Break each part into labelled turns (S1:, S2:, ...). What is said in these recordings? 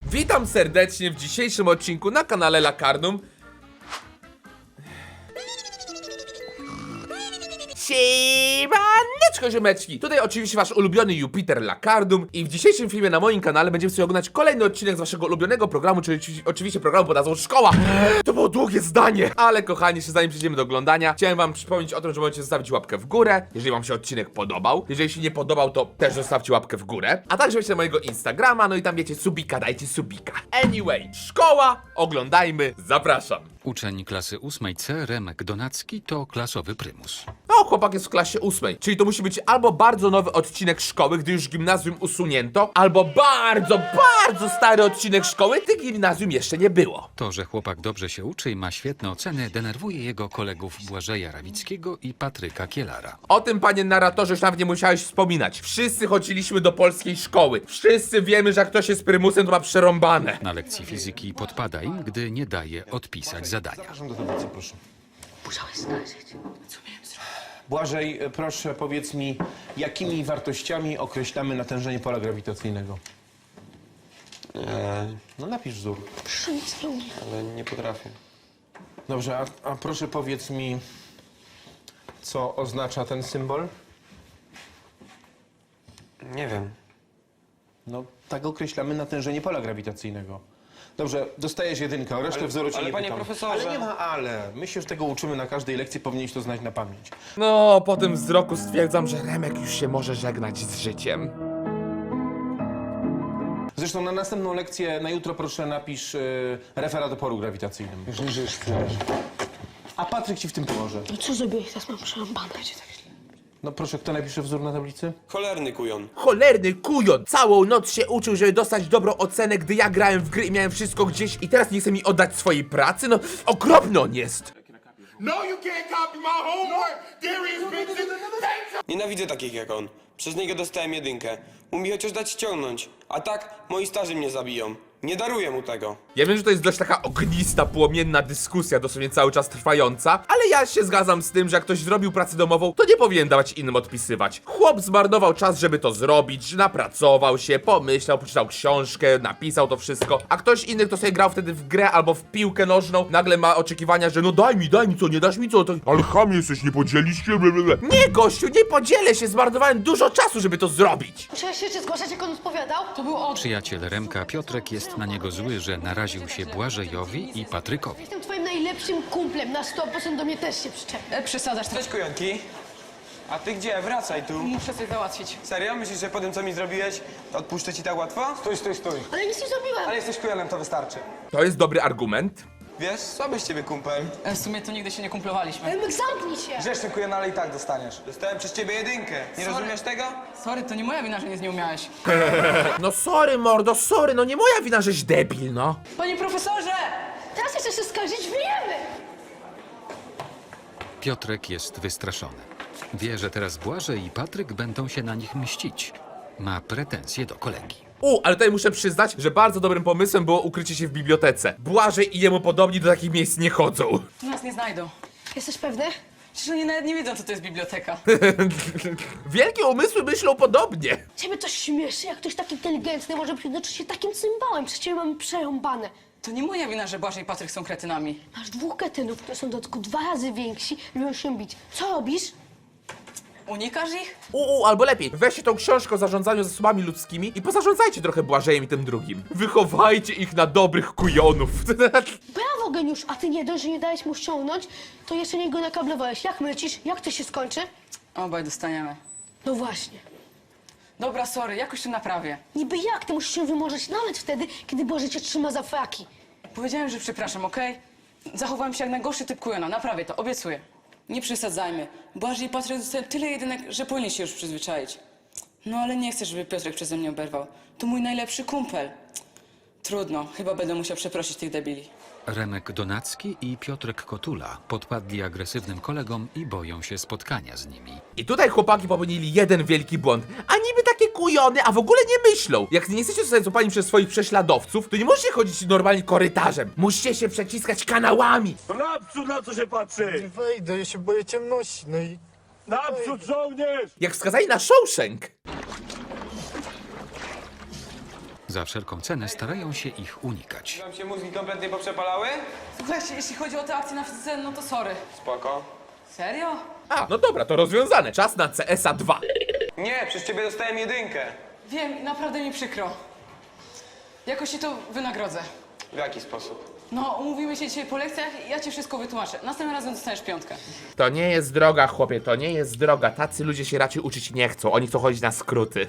S1: Witam serdecznie w dzisiejszym odcinku na kanale Lakarnum. Siemaneczko ziomeczki! Tutaj oczywiście wasz ulubiony Jupiter Lakarnum i w dzisiejszym filmie na moim kanale będziemy sobie oglądać kolejny odcinek z waszego ulubionego programu, czyli oczywiście programu pod nazwą Szkoła. To było długie zdanie! Ale kochani, jeszcze zanim przejdziemy do oglądania, chciałem wam przypomnieć o tym, że możecie zostawić łapkę w górę, jeżeli wam się odcinek podobał. Jeżeli się nie podobał, to też zostawcie łapkę w górę. A także wejdźcie na mojego Instagrama, no i tam wiecie, subika, dajcie subika. Anyway, szkoła, oglądajmy, zapraszam.
S2: Uczeń klasy 8C Remek Donacki to klasowy prymus.
S1: No, chłopak jest w klasie 8, czyli to musi być albo bardzo nowy odcinek szkoły, gdy już gimnazjum usunięto, albo bardzo stary odcinek szkoły, gdy gimnazjum jeszcze nie było.
S2: To, że chłopak dobrze się uczy i ma świetne oceny, denerwuje jego kolegów Błażeja Rawickiego i Patryka Kielara.
S1: O tym, panie narratorze, już nawet nie musiałeś wspominać. Wszyscy chodziliśmy do polskiej szkoły. Wszyscy wiemy, że jak ktoś jest prymusem, to ma przerąbane.
S2: Na lekcji fizyki podpada im, gdy nie daje odpisać zadania.
S3: Zapraszam do tablicy, proszę.
S4: Musiałeś znaleźć. Co miałem zrobić?
S3: Błażej, proszę powiedz mi, jakimi wartościami określamy natężenie pola grawitacyjnego? No napisz wzór.
S4: Proszę, nic nie umiem.
S5: Ale nie potrafię.
S3: Dobrze, a proszę powiedz mi, co oznacza ten symbol?
S5: Nie wiem.
S3: No, tak określamy natężenie pola grawitacyjnego. Dobrze, dostajesz jedynkę, o resztę wzoru cię
S5: ale
S3: nie
S5: panie
S3: pytam.
S5: profesorze.
S3: Ale nie ma ale. My się z tego uczymy na każdej lekcji, powinieneś to znać na pamięć.
S1: No, po tym wzroku stwierdzam, że Remek już się może żegnać z życiem.
S3: Zresztą na następną lekcję, na jutro proszę napisz referat o polu grawitacyjnym.
S5: Już niżej sprzedaż.
S3: A Patryk ci w tym pomoże.
S4: No co zrobiłeś? Teraz mam przerąbane.
S3: No proszę, kto napisze wzór na tablicy?
S5: Cholerny kujon.
S1: Cholerny kujon! Całą noc się uczył, żeby dostać dobrą ocenę, gdy ja grałem w gry i miałem wszystko gdzieś i teraz nie chce mi oddać swojej pracy? No, okropny on jest!
S6: No, you can't copy my homework. Darius Benson.
S5: Nienawidzę takich jak on. Przez niego dostałem jedynkę. Umie chociaż dać ściągnąć. A tak, moi starzy mnie zabiją. Nie daruję mu tego.
S1: Ja wiem, że to jest dość taka ognista, płomienna dyskusja, dosłownie cały czas trwająca, ale ja się zgadzam z tym, że jak ktoś zrobił pracę domową, to nie powinien dawać innym odpisywać. Chłop zmarnował czas, żeby to zrobić, napracował się, pomyślał, poczytał książkę, napisał to wszystko, a ktoś inny, kto sobie grał wtedy w grę albo w piłkę nożną, nagle ma oczekiwania, że no daj mi co, nie dasz mi co, to...
S6: Ale cham jesteś, nie podzielisz się? Blablabla.
S1: Nie, gościu, nie podzielę się, zmarnowałem dużo czasu, żeby to zrobić.
S4: Musiałeś się jeszcze zgłaszać, jak on odpowiadał? To był on.
S2: Przyjaciel Remka Piotrek jest na niego zły, że naraził się Błażejowi i Patrykowi.
S4: Jestem twoim najlepszym kumplem. Na 100% do mnie też się przyczep.
S7: Przesadzasz,
S5: Cześć kujonki. A ty gdzie? Wracaj tu.
S7: muszę coś załatwić.
S5: Serio? Myślisz, że po tym co mi zrobiłeś, to odpuszczę ci tak łatwo?
S7: Stój.
S4: Ale nic nie zrobiłem.
S5: Ale jesteś kujonem, to wystarczy.
S1: To jest dobry argument.
S5: Wiesz, słaby z ciebie kumpel.
S7: W sumie to nigdy się nie kumplowaliśmy.
S4: Remek, zamknij się.
S5: Grzeszny kujon, ale i tak dostaniesz. Dostałem przez ciebie jedynkę. Nie rozumiesz tego?
S7: Sorry, to nie moja wina, że nic nie umiałeś.
S1: No sorry, mordo, sorry, no nie moja wina, żeś debil, no.
S7: Panie profesorze!
S4: Teraz jeszcze się skarżyć, wyjemy.
S2: Piotrek jest wystraszony. Wie, że teraz Błażej i Patryk będą się na nich mścić. Ma pretensje do kolegi.
S1: Ale tutaj muszę przyznać, że bardzo dobrym pomysłem było ukrycie się w bibliotece. Błażej i jemu podobni do takich miejsc nie chodzą.
S7: Nas nie znajdą.
S4: Jesteś pewny?
S7: Przecież oni nawet nie wiedzą, co to jest biblioteka.
S1: Wielkie umysły myślą podobnie.
S4: Ciebie to śmieszy, jak ktoś tak inteligentny może przyznaczyć się takim cymbałem. Przecież ciebie mamy przerąbane.
S7: To nie moja wina, że Błażej i Patryk są kretynami.
S4: Masz dwóch kretynów, które są w dodatku 2 razy więksi, lubią się bić. Co robisz?
S7: Unikasz ich?
S1: Albo lepiej, weźcie tą książkę o zarządzaniu zasobami ludzkimi i pozarządzajcie trochę Błażejem i tym drugim. Wychowajcie ich na dobrych kujonów.
S4: Brawo, geniusz, a ty nie dość, że nie dałeś mu ściągnąć, to jeszcze nie go nakablowałeś. Jak myślisz? Jak to się skończy?
S7: Obaj dostaniemy.
S4: No właśnie.
S7: Dobra, sorry, jakoś to naprawię.
S4: Niby jak? Ty musisz się wymorzeć nawet wtedy, kiedy Boże cię trzyma za fraki.
S7: Powiedziałem, że przepraszam, okej? Zachowałem się jak najgorszy typ kujona, naprawię to, obiecuję. Nie przesadzajmy. Błażej i Patryk dostają tyle jedynek, że powinien się już przyzwyczaić. No ale nie chcę, żeby Piotrek przeze mnie oberwał. To mój najlepszy kumpel. Trudno, chyba będę musiał przeprosić tych debili.
S2: Remek Donacki i Piotrek Kotula podpadli agresywnym kolegom i boją się spotkania z nimi.
S1: I tutaj chłopaki popełnili jeden wielki błąd. A niby takie kujony, a w ogóle nie myślą. Jak nie jesteście zostać złapani przez swoich prześladowców, to nie możecie chodzić normalnie korytarzem. Musicie się przeciskać kanałami.
S6: To naprzód, na co się patrzy?
S8: Nie wejdę, ja się boję ciemności, no i...
S6: Naprzód, żołnierz!
S1: Jak wskazali na Shawshank.
S2: Za wszelką cenę starają się ich unikać.
S5: Wam się mózgi kompletnie poprzepalały?
S7: Słuchajcie, jeśli chodzi o te akcje na fizyce, no to sorry.
S5: Spoko.
S7: Serio?
S1: A, no dobra, to rozwiązane. Czas na CS-a 2.
S5: Nie, przez ciebie dostałem 1.
S7: Wiem, i naprawdę mi przykro. Jakoś ci to wynagrodzę.
S5: W jaki sposób?
S7: No, umówimy się dzisiaj po lekcjach i ja ci wszystko wytłumaczę. Następnym razem dostaniesz 5.
S1: To nie jest droga, chłopie, to nie jest droga. Tacy ludzie się raczej uczyć nie chcą. Oni chcą chodzić na skróty.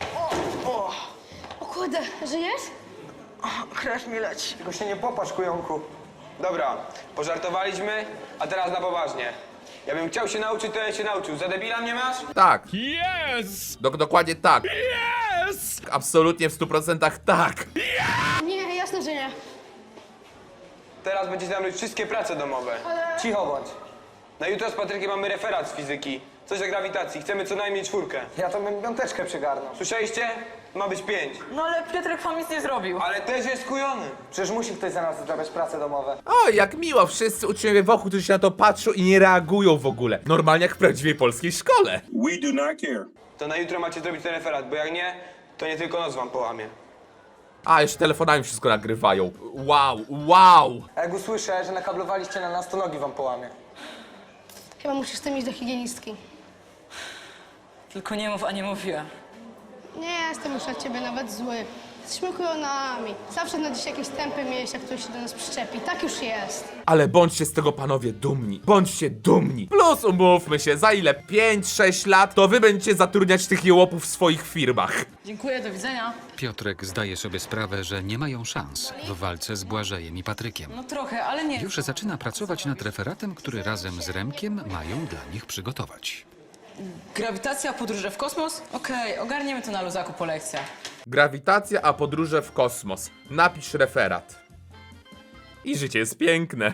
S4: O kurde, żyjesz?
S7: Krew mi leci.
S5: Tylko się nie popłacz, kujonku. Dobra, pożartowaliśmy, a teraz na poważnie. Ja bym chciał się nauczyć, to ja się nauczył. Za debila mnie masz?
S1: Tak. Yes! Dokładnie tak. Yes! Absolutnie w 100% tak.
S4: Nie, jasne, że nie.
S5: Teraz będziecie nam robić wszystkie prace domowe. Cicho bądź. Na jutro z Patrykiem mamy referat z fizyki. Coś o grawitacji. Chcemy co najmniej 4.
S9: Ja to bym piąteczkę przygarnął.
S5: Słyszeliście? Ma być 5.
S7: No ale Piotrek wam nic nie zrobił.
S5: Ale też jest kujony.
S9: Przecież musi ktoś za nas zrobić prace domowe.
S1: O, jak miło, wszyscy uczniowie wokół, którzy się na to patrzą i nie reagują w ogóle. Normalnie jak w prawdziwej polskiej szkole.
S6: We do not care.
S5: To na jutro macie zrobić ten referat, bo jak nie, to nie tylko noc wam połamie.
S1: A, jeszcze telefonami wszystko nagrywają. Wow, wow!
S9: A jak usłyszę, że nakablowaliście na nas, to nogi wam połamie.
S4: Chyba musisz z tym iść do higienistki.
S7: Tylko nie mów, a nie mówiła.
S4: Nie jestem już na ciebie nawet zły. Jesteśmy kujonami. Zawsze znajdzie się jakieś tępy miejsca, które się do nas przyczepi. Tak już jest.
S1: Ale bądźcie z tego panowie dumni. Bądźcie dumni. Plus umówmy się, za ile? 5-6 lat, to wy będziecie zatrudniać tych jełopów w swoich firmach.
S7: Dziękuję, do widzenia.
S2: Piotrek zdaje sobie sprawę, że nie mają szans w walce z Błażejem i Patrykiem.
S7: No trochę, ale nie.
S2: Już zaczyna pracować nad referatem, który razem z Remkiem mają dla nich przygotować.
S7: Grawitacja, podróże w kosmos? Okej, ogarniemy to na luzaku po lekcjach.
S1: Grawitacja, a podróże w kosmos. Napisz referat. I życie jest piękne.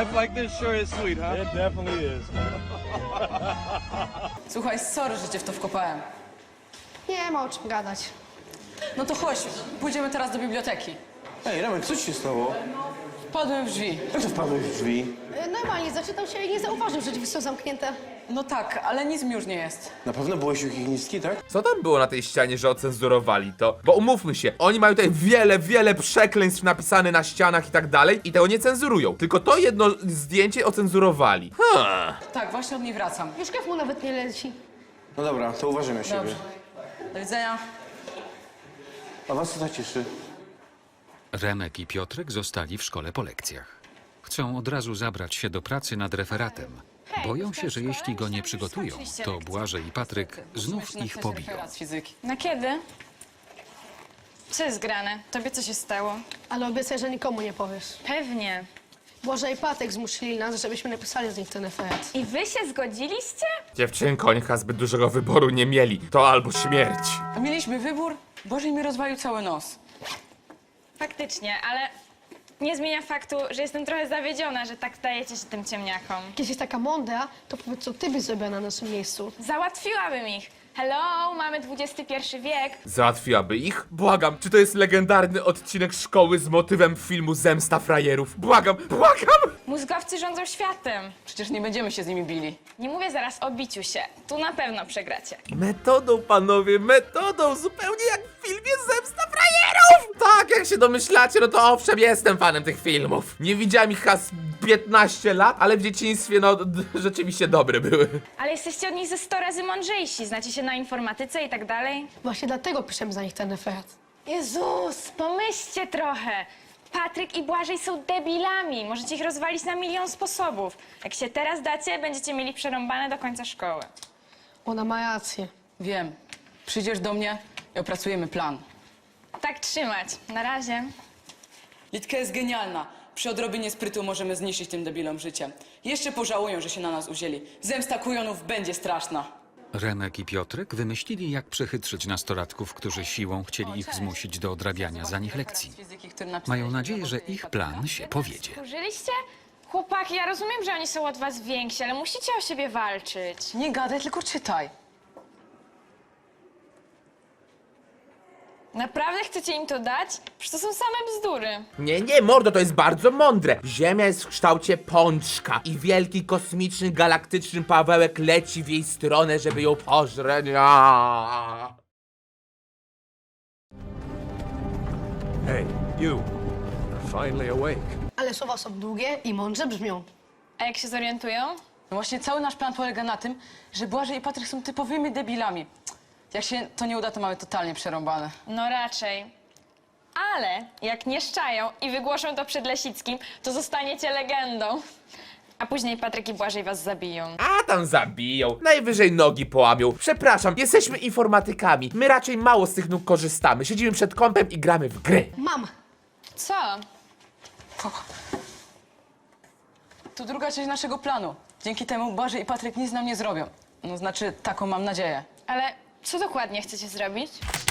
S7: Słuchaj, sorry, że cię w to wkopałem.
S4: Nie ma o czym gadać.
S7: No to chodź, pójdziemy teraz do biblioteki.
S3: Ej, Remek, co ci się stało?
S7: Wpadłem w drzwi.
S3: Jak to wpadłeś w drzwi?
S4: Normalnie zaczytał się i nie zauważył, że drzwi są zamknięte.
S7: No tak, ale nic mi już nie jest.
S3: Na pewno byłeś u higienistki, tak?
S1: Co tam było na tej ścianie, że ocenzurowali to? Bo umówmy się, oni mają tutaj wiele przekleństw napisane na ścianach i tak dalej i tego nie cenzurują. Tylko to jedno zdjęcie ocenzurowali.
S7: Tak, właśnie od niej wracam.
S4: Już krew mu nawet nie leci.
S3: No dobra, to uważamy siebie.
S7: Dobrze. Do widzenia.
S3: A was co tak cieszy?
S2: Remek i Piotrek zostali w szkole po lekcjach. Chcą od razu zabrać się do pracy nad referatem. Boją się, że jeśli go nie przygotują, to Błażej i Patryk znów ich pobiją.
S7: Referat z fizyki.
S10: Na kiedy? Co jest grane? Tobie co się stało?
S4: Ale obiecaj, że nikomu nie powiesz.
S10: Pewnie.
S4: Boże i Patek zmusili nas, żebyśmy napisali z nich ten referat.
S10: I wy się zgodziliście?
S1: Dziewczynko, oni chyba zbyt dużego wyboru nie mieli. To albo śmierć.
S7: A mieliśmy wybór? Bożej mi rozwalił cały nos.
S10: Faktycznie, ale nie zmienia faktu, że jestem trochę zawiedziona, że tak dajecie się tym ciemniakom.
S4: Jak jesteś taka mądra, to powiedz, co ty byś zrobiła na naszym miejscu.
S10: Załatwiłabym ich. Hello, mamy XXI wiek.
S1: Załatwiłaby ich? Błagam, czy to jest legendarny odcinek szkoły z motywem filmu Zemsta frajerów? Błagam!
S10: Mózgowcy rządzą światem.
S7: Przecież nie będziemy się z nimi bili.
S10: Nie mówię zaraz o biciu się. Tu na pewno przegracie.
S1: Metodą, panowie, metodą, zupełnie jak w filmie Zemsta frajerów! Tak, jak się domyślacie, no to owszem, jestem fanem tych filmów. Nie widziałem ich chyba z 15 lat, ale w dzieciństwie, no, rzeczywiście dobre były.
S10: Ale jesteście od nich ze 100 razy mądrzejsi. Znacie się na informatyce i tak dalej.
S4: Właśnie dlatego piszemy za nich ten referat.
S10: Jezus, pomyślcie trochę. Patryk i Błażej są debilami. Możecie ich rozwalić na milion sposobów. Jak się teraz dacie, będziecie mieli przerąbane do końca szkoły.
S4: Ona ma rację.
S7: Wiem. Przyjdziesz do mnie i opracujemy plan.
S10: Tak trzymać. Na razie.
S7: Litka jest genialna. Przy odrobinie sprytu możemy zniszczyć tym debilom życie. Jeszcze pożałują, że się na nas uzięli. Zemsta kujonów będzie straszna.
S2: Remek i Piotrek wymyślili, jak przechytrzyć nastolatków, którzy siłą chcieli ich zmusić do odrabiania za nich lekcji. Mają nadzieję, że ich plan się powiedzie.
S10: Użyliście? Chłopaki, ja rozumiem, że oni są od was więksi, ale musicie o siebie walczyć.
S7: Nie gadaj, tylko czytaj.
S10: Naprawdę chcecie im to dać? Przecież to są same bzdury.
S1: Nie, mordo, to jest bardzo mądre. Ziemia jest w kształcie pączka i wielki kosmiczny, galaktyczny Pawełek leci w jej stronę, żeby ją pożreć.
S6: Hey, you. Finally awake.
S4: Ale słowa są długie i mądrze brzmią.
S10: A jak się zorientują?
S7: No właśnie cały nasz plan polega na tym, że Błażej i Patryk są typowymi debilami. Jak się to nie uda, to mamy totalnie przerąbane.
S10: No raczej. Ale jak nie szczają i wygłoszą to przed Lesickim, to zostaniecie legendą. A później Patryk i Błażej was zabiją.
S1: A tam zabiją, najwyżej nogi połamią. Przepraszam, jesteśmy informatykami. My raczej mało z tych nóg korzystamy. Siedzimy przed kompem i gramy w gry.
S4: Mam.
S10: Co?
S7: To druga część naszego planu. Dzięki temu Błażej i Patryk nic nam nie zrobią. No znaczy, taką mam nadzieję.
S10: Ale co dokładnie chcecie zrobić?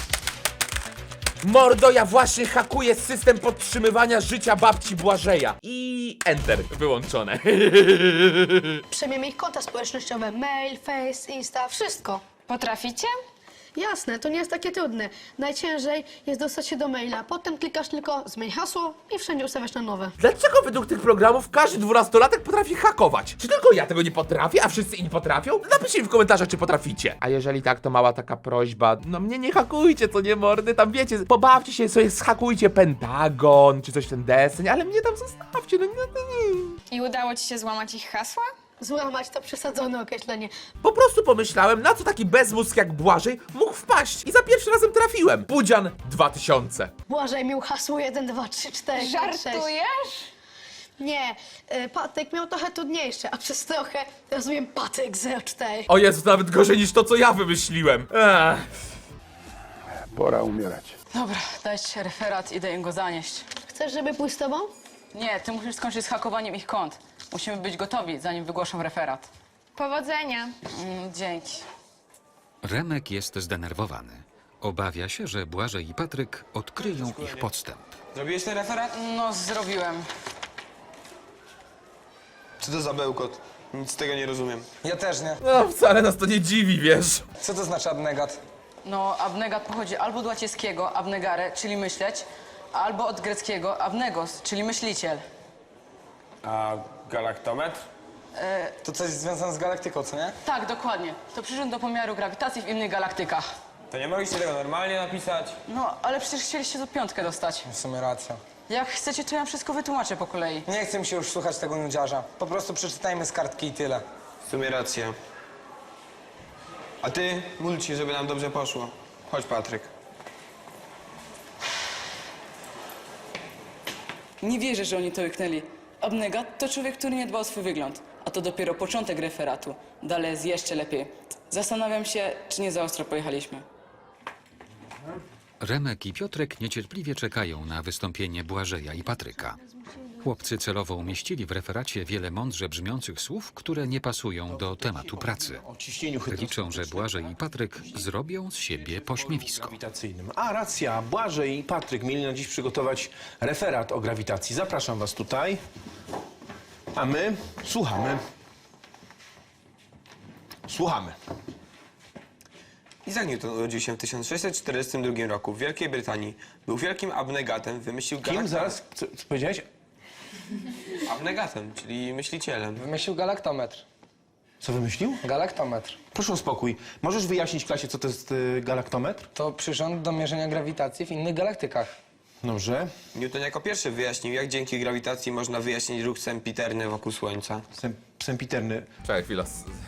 S1: Mordo, ja właśnie hakuję system podtrzymywania życia babci Błażeja. I enter wyłączone.
S4: Przejmiemy ich konta społecznościowe. Mail, Face, Insta, wszystko.
S10: Potraficie?
S4: Jasne, to nie jest takie trudne. Najciężej jest dostać się do maila. Potem klikasz tylko zmień hasło i wszędzie ustawiasz na nowe.
S1: Dlaczego według tych programów każdy 12-latek potrafi hakować? Czy tylko ja tego nie potrafię, a wszyscy inni potrafią? Napiszcie mi w komentarzach, czy potraficie. A jeżeli tak, to mała taka prośba. No mnie nie hakujcie, co nie mordy. Tam wiecie, pobawcie się sobie, zhakujcie Pentagon, czy coś w ten deseń, ale mnie tam zostawcie, no nie.
S10: I udało ci się złamać ich hasła?
S4: Złamać to przesadzone określenie.
S1: Po prostu pomyślałem, na co taki bezmózg jak Błażej mógł wpaść i za pierwszym razem trafiłem. Budzian 2000.
S4: Błażej miał hasło 1, 2, 3, 4, 5, 6.
S10: Żartujesz?
S4: Nie, Patryk miał trochę trudniejsze, a przez trochę rozumiem Patryk 04.
S1: O Jezu, to nawet gorzej niż to, co ja wymyśliłem.
S6: Pora umierać.
S7: Dobra, dajcie referat, idę im go zanieść.
S4: Chcesz, żeby pójść z tobą?
S7: Nie, ty musisz skończyć z hakowaniem ich kont. Musimy być gotowi, zanim wygłoszą referat.
S10: Powodzenia.
S7: Dzięki.
S2: Remek jest zdenerwowany. Obawia się, że Błażej i Patryk odkryją ich podstęp.
S5: Zrobiłeś ten referat?
S7: No, zrobiłem.
S5: Co to za bełkot? Nic z tego nie rozumiem.
S9: Ja też nie.
S1: No, wcale nas to nie dziwi, wiesz.
S9: Co to znaczy abnegat?
S7: No, abnegat pochodzi albo od łacińskiego abnegare, czyli myśleć, albo od greckiego abnegos, czyli myśliciel.
S5: A galaktometr?
S9: To coś związane z galaktyką, co nie?
S7: Tak, dokładnie. To przyrząd do pomiaru grawitacji w innych galaktykach.
S5: To nie mogliście tego normalnie napisać?
S7: No, ale przecież chcieliście tu 5 dostać.
S9: W sumie racja.
S7: Jak chcecie, to ja wszystko wytłumaczę po kolei.
S9: Nie chcę mi się już słuchać tego nudziarza. Po prostu przeczytajmy z kartki i tyle.
S5: W sumie racja. A ty, módl się, żeby nam dobrze poszło. Chodź, Patryk.
S7: Nie wierzę, że oni to łyknęli. Abnegat to człowiek, który nie dba o swój wygląd. A to dopiero początek referatu. Dalej jest jeszcze lepiej. Zastanawiam się, czy nie za ostro pojechaliśmy.
S2: Remek i Piotrek niecierpliwie czekają na wystąpienie Błażeja i Patryka. Chłopcy celowo umieścili w referacie wiele mądrze brzmiących słów, które nie pasują do tematu pracy.
S3: O ciśnieniu
S2: Liczą, że Błażej i Patryk zrobią z siebie pośmiewisko.
S3: grawitacyjnym. A, racja, Błażej i Patryk mieli na dziś przygotować referat o grawitacji. Zapraszam was tutaj. A my słuchamy. Słuchamy.
S5: Isaac Newton urodził się w 1642 roku w Wielkiej Brytanii. Był wielkim abnegatem, wymyślił
S3: Kim zaraz? Co powiedziałeś?
S5: Abnegatem, czyli myślicielem.
S9: Wymyślił galaktometr.
S3: Co wymyślił?
S9: Galaktometr.
S3: Proszę o spokój. Możesz wyjaśnić klasie, co to jest galaktometr?
S9: To przyrząd do mierzenia grawitacji w innych galaktykach.
S3: Dobrze.
S5: Newton jako pierwszy wyjaśnił, jak dzięki grawitacji można wyjaśnić ruch sempiterny wokół Słońca.
S3: Sempiterny.
S1: Czekaj chwilę.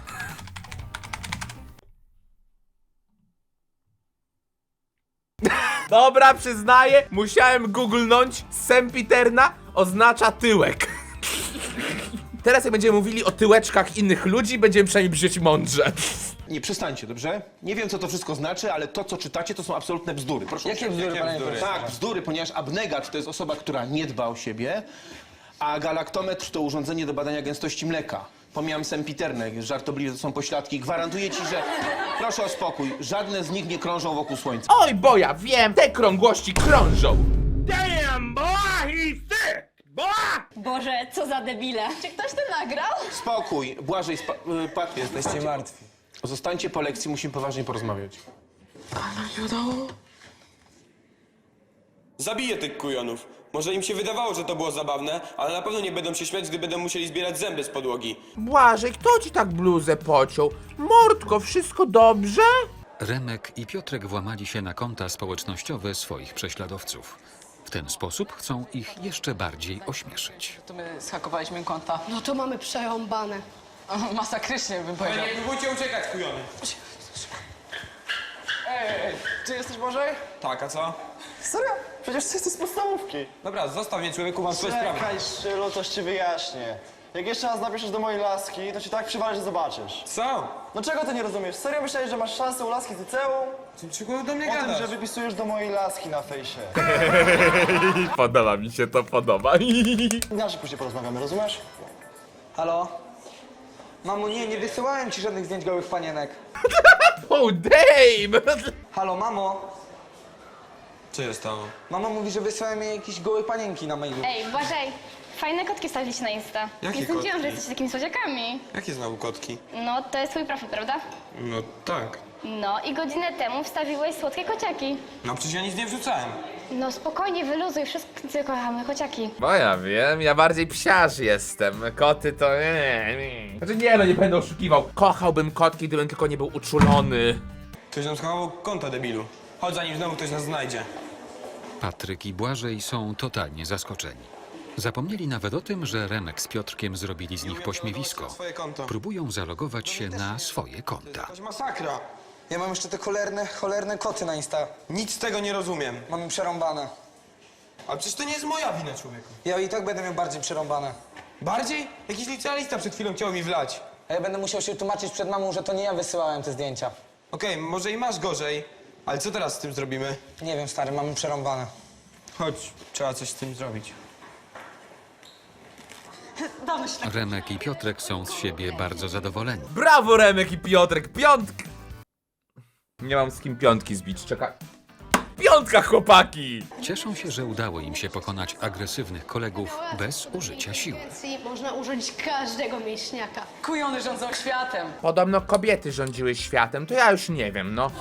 S1: Dobra, przyznaję, musiałem googlnąć. Sempiterna oznacza tyłek. Teraz jak będziemy mówili o tyłeczkach innych ludzi, będziemy przynajmniej brzmieć mądrze.
S3: Nie, przestańcie, dobrze? Nie wiem, co to wszystko znaczy, ale to, co czytacie, to są absolutne bzdury. Proszę
S9: Jakie
S3: usiąść.
S9: bzdury, panie profesorze?
S3: Tak, bzdury, ponieważ abnegat to jest osoba, która nie dba o siebie, a galaktometr to urządzenie do badania gęstości mleka. Pomijam sempiterne, żartobliwie to są pośladki. Gwarantuję ci, że... Proszę o spokój, żadne z nich nie krążą wokół Słońca.
S1: Oj, bo ja wiem, te krągłości krążą.
S6: Damn, boy, he's sick, boy!
S10: Boże, co za debile. Czy ktoś to nagrał?
S3: Spokój, Błażej, Patryk.
S9: Jesteście martwi.
S3: Zostańcie po lekcji, musimy poważnie porozmawiać.
S5: Zabiję tych kujonów. Może im się wydawało, że to było zabawne, ale na pewno nie będą się śmiać, gdy będą musieli zbierać zęby z podłogi.
S1: Błażej, kto ci tak bluzę pociął? Mordko, wszystko dobrze?
S2: Remek i Piotrek włamali się na konta społecznościowe swoich prześladowców. W ten sposób chcą ich jeszcze bardziej ośmieszyć.
S7: To my zhakowaliśmy im konta.
S4: No to mamy przerąbane.
S7: Masakrycznie bym powiedział.
S5: Nie próbujcie uciekać, kujony.
S9: Ty jesteś Bożej?
S5: Tak, a co?
S9: Serio? Przecież ty jesteś z podstawówki.
S5: Dobra, zostaw mnie, człowieku, mam swoje sprawy.
S9: Czekaj, Szylu, coś ci wyjaśnię. Jak jeszcze raz napiszesz do mojej laski, to ci tak przywalę, że zobaczysz.
S5: Co?
S9: No czego ty nie rozumiesz? Serio myślałeś, że masz szansę u laski z liceum?
S5: Czego do mnie
S9: O tym,
S5: gadasz?
S9: że wypisujesz do mojej laski na fejsie.
S1: Podoba mi się to, podoba.
S9: Inaczej później porozmawiamy, rozumiesz? Halo? Mamo, nie wysyłałem ci żadnych zdjęć gołych panienek.
S1: Oh damn!
S9: Halo, mamo?
S5: Co się stało?
S9: Mama mówi, że wysłałem jej jakieś gołe panienki na mailu.
S10: Ej, Błażej, fajne kotki wstawiliście na Insta.
S5: Jakie
S10: Nie sądziłam,
S5: kotki?
S10: że jesteście takimi słodziakami.
S5: Jakie znowu kotki?
S10: No, to jest twój profil, prawda?
S5: No tak.
S10: No i godzinę temu wstawiłeś słodkie kociaki.
S5: No przecież ja nic nie wrzucałem.
S10: No spokojnie, wyluzuj, wszyscy kochamy kociaki.
S1: Bo ja wiem, ja bardziej psiarz jestem. Koty to nie. Znaczy nie, no nie będę oszukiwał. Kochałbym kotki, gdybym tylko nie był uczulony.
S5: Ktoś nam schował konta, debilu. Chodź, zanim znowu ktoś nas znajdzie.
S2: Patryk i Błażej są totalnie zaskoczeni. Zapomnieli nawet o tym, że Remek z Piotrkiem zrobili z nich pośmiewisko.
S5: Swoje konto.
S2: Próbują zalogować się na swoje konta.
S5: Jakaś masakra.
S9: Ja mam jeszcze te cholerne koty na Insta.
S5: Nic z tego nie rozumiem.
S9: Mamy przerąbane.
S5: A przecież to nie jest moja wina, człowieku.
S9: Ja i tak będę miał bardziej przerąbane.
S5: Bardziej? Jakiś licealista przed chwilą chciał mi wlać.
S9: A ja będę musiał się tłumaczyć przed mamą, że to nie ja wysyłałem te zdjęcia.
S5: Okej, może i masz gorzej, ale co teraz z tym zrobimy?
S9: Nie wiem, stary, mamy przerąbane.
S5: Chodź, trzeba coś z tym zrobić.
S2: Remek i Piotrek są z siebie bardzo zadowoleni.
S1: Brawo Remek i Piotrek, piątka! Nie mam z kim piątki zbić, czekaj. Piątka, chłopaki!
S2: Cieszą się, że udało im się pokonać agresywnych kolegów bez użycia siły.
S4: Można użyć każdego mięśniaka.
S7: Kujony rządzą światem.
S1: Podobno kobiety rządziły światem, to ja już nie wiem, no.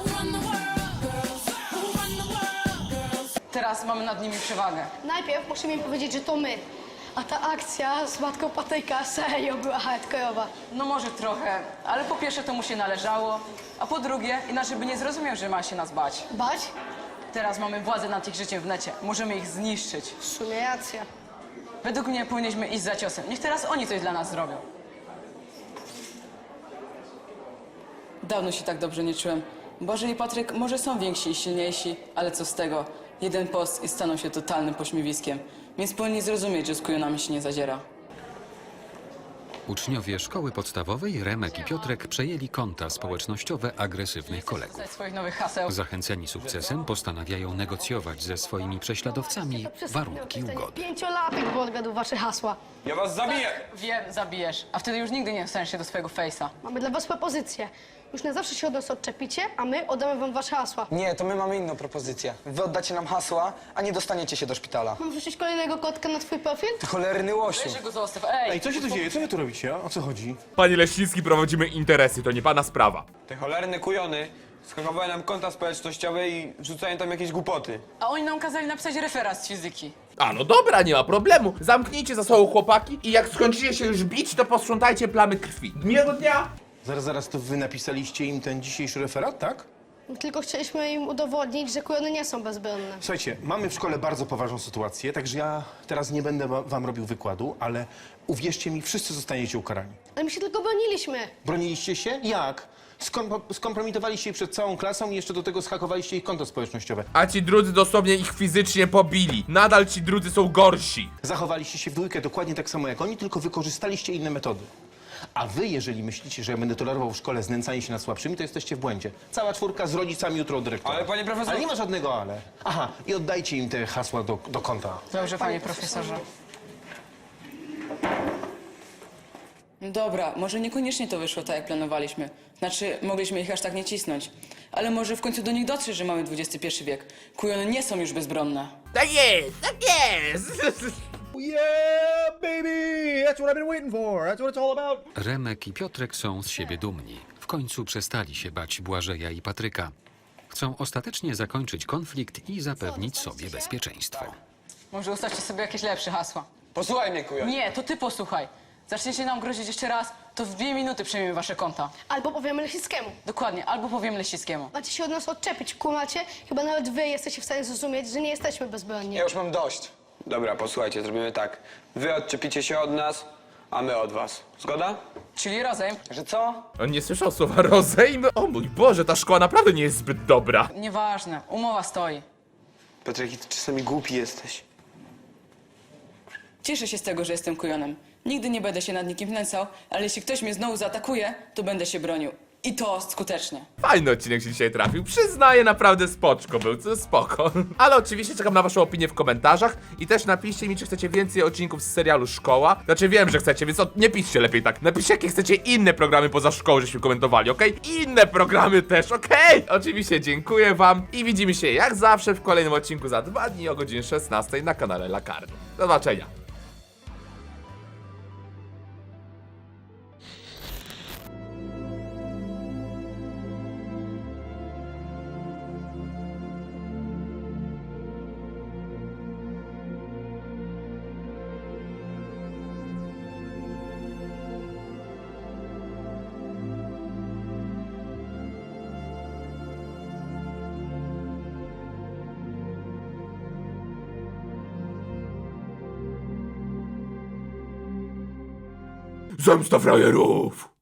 S7: Teraz mamy nad nimi przewagę.
S4: Najpierw musimy im powiedzieć, że to my. A ta akcja z matką Patryka serio była hardkorowa.
S7: No może trochę, ale po pierwsze to mu się należało, a po drugie inaczej by nie zrozumiał, że ma się nas bać.
S4: Bać?
S7: Teraz mamy władzę nad ich życiem w necie. Możemy ich zniszczyć.
S4: W sumie racja.
S7: Według mnie powinniśmy iść za ciosem. Niech teraz oni coś dla nas zrobią. Dawno się tak dobrze nie czułem. Boże i Patryk może są więksi i silniejsi, ale co z tego? Jeden post i staną się totalnym pośmiewiskiem. Więc powinni zrozumieć, że z kujonami się nie zadziera.
S2: Uczniowie szkoły podstawowej Remek i Piotrek przejęli konta społecznościowe agresywnych kolegów.
S7: Ze swoich nowych haseł.
S2: Zachęceni sukcesem postanawiają negocjować ze swoimi prześladowcami warunki ugody.
S4: 5-latek, bo odgadł wasze hasła.
S5: Ja was zabiję!
S7: Wiem, zabijesz, a wtedy już nigdy nie dostaniesz się do swojego fejsa.
S4: Mamy dla was propozycję. Już na zawsze się od nas odczepicie, a my oddamy wam wasze hasła.
S9: Nie, to my mamy inną propozycję. Wy oddacie nam hasła, a nie dostaniecie się do szpitala.
S4: Mam wrzucić kolejnego kotka na twój profil?
S9: Ty cholerny łosiu.
S7: Weź go zostaw, ej!
S3: Co się tu dzieje? Co wy tu robicie? O co chodzi?
S1: Panie Leśnicki, prowadzimy interesy, to nie pana sprawa.
S5: Te cholerne kujony skakowały nam konta społecznościowe i wrzucają tam jakieś głupoty.
S7: A oni nam kazali napisać referat z fizyki.
S1: A no dobra, nie ma problemu. Zamknijcie za sobą chłopaki i jak skończycie się już bić, to posprzątajcie plamy krwi. Miłego dnia!
S3: Zaraz, to wy napisaliście im ten dzisiejszy referat, tak?
S4: Tylko chcieliśmy im udowodnić, że kujony nie są bezbronne.
S3: Słuchajcie, mamy w szkole bardzo poważną sytuację, także ja teraz nie będę wam robił wykładu, ale uwierzcie mi, wszyscy zostaniecie ukarani.
S4: Ale my się tylko broniliśmy.
S3: Broniliście się? Jak? Skompromitowaliście ich przed całą klasą i jeszcze do tego schakowaliście ich konto społecznościowe.
S1: A ci drudzy dosłownie ich fizycznie pobili. Nadal ci drudzy są gorsi.
S3: Zachowaliście się w dwójkę dokładnie tak samo jak oni, tylko wykorzystaliście inne metody. A wy, jeżeli myślicie, że ja będę tolerował w szkole znęcanie się nad słabszymi, to jesteście w błędzie. Cała czwórka z rodzicami jutro od dyrektora.
S5: Ale panie profesorze...
S3: Ale nie ma żadnego ale. Aha, i oddajcie im te hasła do konta.
S7: Dobrze, panie profesorze. Dobra, może niekoniecznie to wyszło tak, jak planowaliśmy. Znaczy, mogliśmy ich aż tak nie cisnąć. Ale może w końcu do nich dotrzeć, że mamy XXI wiek. Kujony nie są już bezbronne.
S1: Tak jest, tak jest!
S8: Yeah, baby! That's what I've been waiting for. That's what it's all about.
S2: Remek i Piotrek są z siebie dumni. W końcu przestali się bać Błażeja i Patryka. Chcą ostatecznie zakończyć konflikt i zapewnić sobie bezpieczeństwo.
S7: Może ustawcie sobie jakieś lepsze hasła.
S5: Posłuchaj mnie, kujon.
S7: Nie, to ty posłuchaj. Zaczniecie nam grozić jeszcze raz, to w 2 minuty przejmiemy wasze konta.
S4: Albo powiemy Lesickiemu.
S7: Dokładnie, albo powiem Lesickiemu.
S4: Macie się od nas odczepić, kumacie? Chyba nawet wy jesteście w stanie zrozumieć, że nie jesteśmy bezbronni.
S9: Ja już mam dość.
S5: Dobra, posłuchajcie, zrobimy tak. Wy odczepicie się od nas, a my od was. Zgoda?
S7: Czyli razem.
S9: Że co?
S1: On nie słyszał słowa rozejm. O mój Boże, ta szkoła naprawdę nie jest zbyt dobra.
S7: Nieważne, umowa stoi.
S5: Piotrek, ty czasami głupi jesteś.
S7: Cieszę się z tego, że jestem kujonem. Nigdy nie będę się nad nikim wnęcał, ale jeśli ktoś mnie znowu zaatakuje, to będę się bronił. I to skutecznie.
S1: Fajny odcinek się dzisiaj trafił. Przyznaję, naprawdę spoczko był, to spoko. Ale oczywiście czekam na waszą opinię w komentarzach i też napiszcie mi, czy chcecie więcej odcinków z serialu Szkoła. Znaczy wiem, że chcecie, więc nie piszcie lepiej tak. Napiszcie, jakie chcecie inne programy poza szkołą, żeśmy komentowali, okej? Inne programy też, okej? Oczywiście dziękuję wam i widzimy się jak zawsze w kolejnym odcinku za 2 dni o godzinie 16 na kanale Lakardu. Do zobaczenia. Zemsta frajerów!